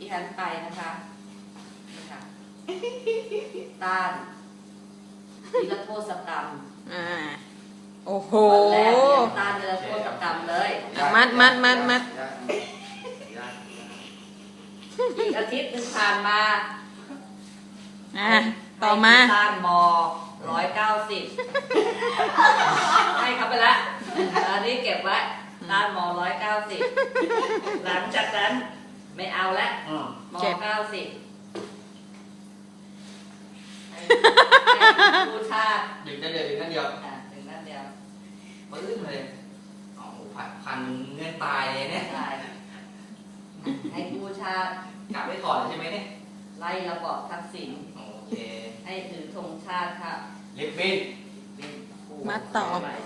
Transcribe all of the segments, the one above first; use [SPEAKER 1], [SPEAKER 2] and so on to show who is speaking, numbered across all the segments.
[SPEAKER 1] ฉันไปนะคะนี่ค่ะต้านนิรโทษกรรม
[SPEAKER 2] โอ้โห
[SPEAKER 1] วันแรกเนี่ยต้านนิรโทษกรรมเลย
[SPEAKER 2] มัด
[SPEAKER 1] อีกอาทิตย์หนึ่งผ่านมา
[SPEAKER 2] ต่อมา
[SPEAKER 1] ต้านม190ให้เขาไปละอันนี้เก็บไว้ต้านม190หลังจากนั้นไม่เอาแล้วม90ผู้ชาติ
[SPEAKER 3] ดึงนั่นเดียวดึงนั่นเดียว
[SPEAKER 1] ดึงนั่นเดียว
[SPEAKER 3] ปื้มเลยโอ้โหพันเงื่อนตายเลยเนี่ย
[SPEAKER 1] ให้ผู้ชาติ
[SPEAKER 3] กลับไปก่อนใช่ไหมเนี่ย
[SPEAKER 1] ไล่ระบอบทักษิณ
[SPEAKER 3] โอเค
[SPEAKER 1] ให้ถือธงชาติค่ะ
[SPEAKER 3] ลิบบิ้น
[SPEAKER 2] มัดต่อ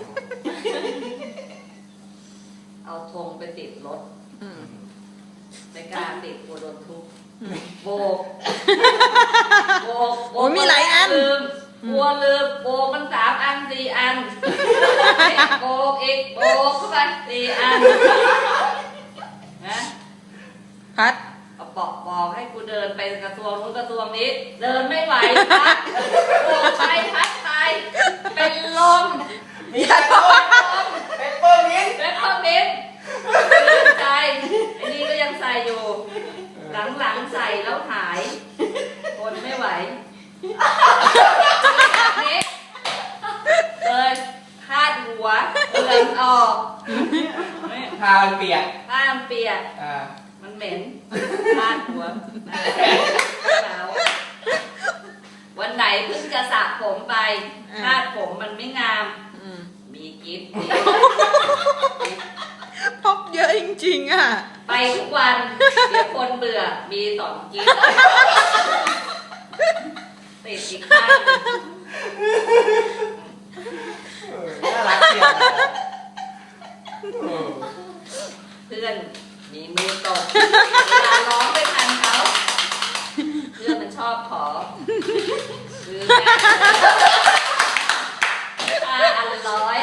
[SPEAKER 1] เอาธงไปติดรถในการติดกลัวโดนทุบโบก
[SPEAKER 2] โอ้มีหลายอัน
[SPEAKER 1] ลืมกลัวลืมโบกมัน3 อัน 4 อันโบกอีกโบกเข้าไป4 อันนะ
[SPEAKER 2] พัด
[SPEAKER 1] เอาบอกให้กูเดินไปกระทรวงนู้นกระทรวงนี้เดินไม่ไหวพัดโบกไปพัดไปเป็นลม
[SPEAKER 3] มีอะไรเป็นเปิ้ลมิ้น
[SPEAKER 1] เป็นเปิ้ลมิ้นตื่นใจไอ้นี่ก็ยังใส่อยู่หลังใส่แล้วหายคนไม่ไหวนี่เลยคาดหัวเลือนออก
[SPEAKER 3] ผ้ามันเปียก
[SPEAKER 1] ผ้ามันเปียกมันเหม็นคาดหัวหนาววันไหนเพิ่งจะสระผมไปคาดผมมันไม่งามมีกิ๊บ
[SPEAKER 2] พบเยอะจริงๆอ่ะ
[SPEAKER 1] ไปทุกวันเดี๋ยวคนเบื่อมี2 กิ๊บติดอีกข้าง
[SPEAKER 3] น่ารักเชียว
[SPEAKER 1] เพื่อนมีมือตกเวลาร้องไม่ทันเขาเพื่อนมันชอบขอคือแม่อัน100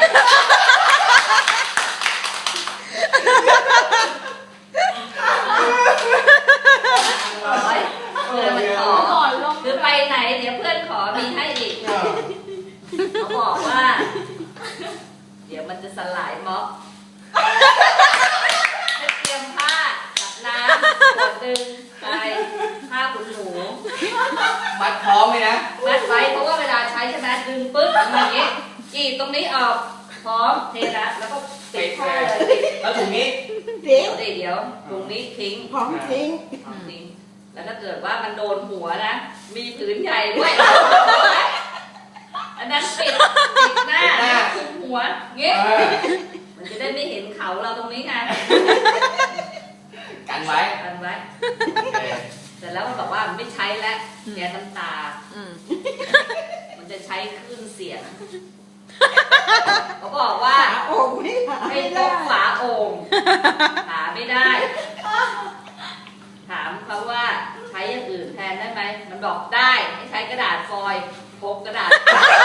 [SPEAKER 1] เพื่อนมันขอหรือไปไหนเดี๋ยวเพื่อนขอมีให้อีกเขาบอกว่าเดี๋ยวมันจะสลายม็อบให้เตรียมผ้ากับน้ำขวดนึงไปผ้าขนหนู
[SPEAKER 3] มัดพร้อมเลยนะ
[SPEAKER 1] มัดไว้เพราะว่าเวลาใช้ใช่ไหมดึงปึ๊บอย่างนี้จีบตรงนี้ออกพร้อมเทนะแล้วก็ติดผ้าเลย
[SPEAKER 3] แล้วถุงนี้
[SPEAKER 1] เดี๋ยวถุงนี้ทิ้ง
[SPEAKER 2] พร้อมทิ้ง
[SPEAKER 1] แล้วถ้าเกิดว่ามันโดนหัวนะมีผืนใหญ่ด้วยอันนั้นปิดหน้าคุมหัวเงี้ยมันจะได้ไม่เห็นเขาเราตรงนี้ไง
[SPEAKER 3] กันไว้
[SPEAKER 1] แต่แล้วมันบอกว่ามันไม่ใช้แล้วแกน้ำตามันจะใช้คลื่นเสียงเขาบอกว่าให้พกฝาโอ่งหาไม่ได้ถามเขาว่าใช้อย่างอื่นแทนได้ไหมมันบอกได้ให้ใช้กระดาษฟอยล์พกกระดาษ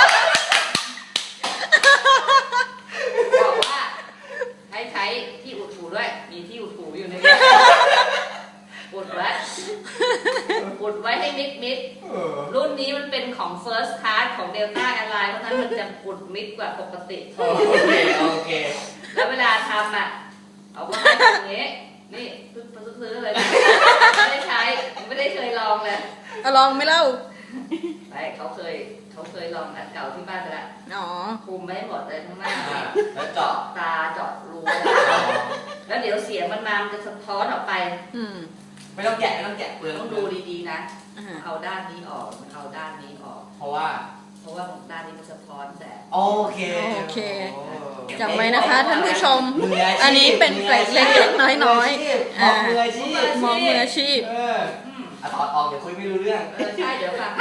[SPEAKER 1] บอกว่าให้ใช้ที่อุดหูด้วยมีที่อุดหูอยู่ในนี้อุดไว้ให้มิดรุ่นนี้มันเป็นของ First Class ของ Delta Airlines เพราะฉะนั้นมันจะอุดมิดกว่าปกติ
[SPEAKER 3] โอเค
[SPEAKER 1] แล้วเวลาทำเอาไว้อย่างนี้นี่ซื้อเลยไม่ได้ใช้ไม่ได้เคยลองเลย
[SPEAKER 2] ลองไม่เล่า
[SPEAKER 1] ไม่เขาเคยลองอันเก่าที่บ้านไปแล้วคุมไม่หมดเลยทั้งหน้า
[SPEAKER 3] แล้วเจาะ
[SPEAKER 1] ตาเจาะรูแล้วเดี๋ยวเสียงมันมามันจะสะท้อนออกไป
[SPEAKER 3] ไม่ต้องแกะเปลือก
[SPEAKER 1] ต้องดูดีๆนะเอาด้านนี้ออกเอาด้านนี้ออก
[SPEAKER 3] เพราะว่า
[SPEAKER 1] ด้านนี้มันสะท้อนแสง
[SPEAKER 3] โอเค
[SPEAKER 2] จำไว้นะคะท่านผู้ชมอันนี้เป็นเกร็ดเล็กๆน้อยๆ
[SPEAKER 3] มองมืออาชีพถอดออกเดี๋ยวคุยไม่รู้เรื่อง
[SPEAKER 1] ใช่เดี๋ยวค่ะ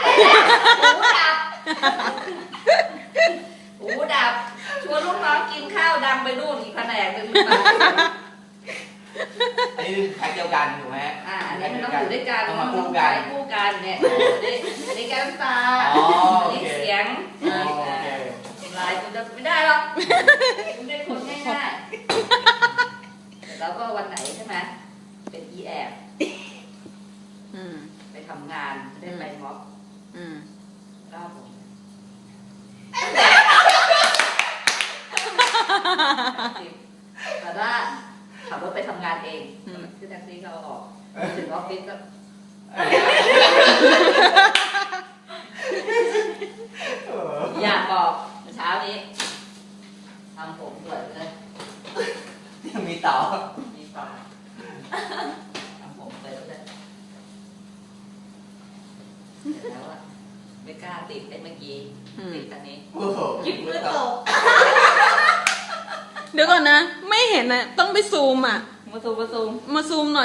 [SPEAKER 1] หูดับชวนลูกน้องกินข้าวดังไปนู่นอีกแผนกหนึ่ง
[SPEAKER 3] อันนี้แพ็คเดียวกันถูกไหม
[SPEAKER 1] อันนี้มันต้องอยู่ด้วยกัน
[SPEAKER 3] ต้องมาคู่กัน
[SPEAKER 1] เนี่ยอันนี้แก้มตาอันนี้เสียงลายมันจะไม่ได้หรอกมันเป็นคนง่ายๆแล้วก็วันไหนใช่ไหมเป็นแอบได้ไปม็อบ
[SPEAKER 2] อืม
[SPEAKER 1] เล่าผมแต่ถ้าขับรถไปทำงานเองคือแท็กซี่เขาเอาออกถึงออฟฟิศก็อยากบอกเช้านี้ทำผมสวยเลย
[SPEAKER 3] ยังมีต่อ
[SPEAKER 1] มีต่อทำผมสวยเลยเสร็จแล้วอะไม่กล้าติดได้เมื่อกี้ติดอันนี้
[SPEAKER 3] โอ้โห
[SPEAKER 1] หยิบมือตก
[SPEAKER 2] เดี๋ยวก่อนนะ ไม่เห็นนะต้องไปซูมอ่ะ
[SPEAKER 1] มาซูม
[SPEAKER 2] มาซูมหน่อย